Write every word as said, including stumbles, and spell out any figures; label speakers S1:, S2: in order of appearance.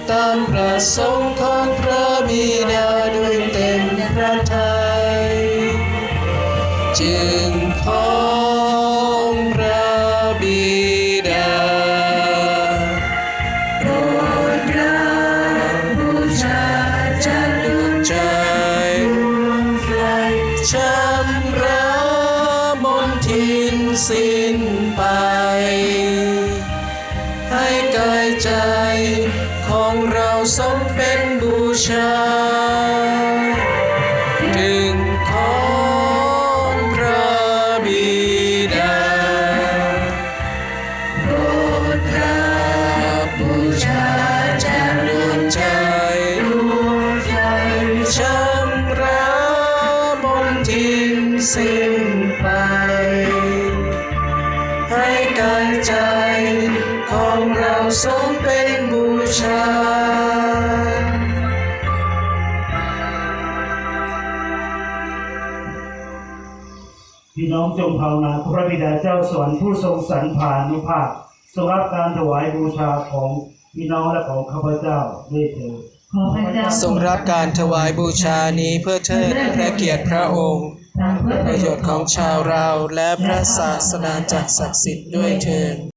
S1: ตามประสงค์ของพระบิดาด้วยเต็มพระทัยจึงของพระบิดาโปรดรับบูชาจากดวงใจชำระมนทินสิ้นไปให้กายใจของเราสมเป็นบูชาถึงของพระบิดาโปรดรับบูชาจากดวงใจชำระมนทินสิ้นไปให้กายใจของเราสมเป็นบูชา
S2: พี่น้องจงภาวนาพระบิดาเจ้าสวรรค์ผู้ทรงสรรพานุภาพทรงรับการถวายบูชาของพี่น้องและของข้าพเจ้าด้วยเถิด
S1: ทรงรับการถวายบูชานี้เพื่อเทิดพระเกียรติพระองค์ประโยชน์ของชาวเราและพระศาสนาจักรศักดิ์สิทธิ์ด้วยเถิด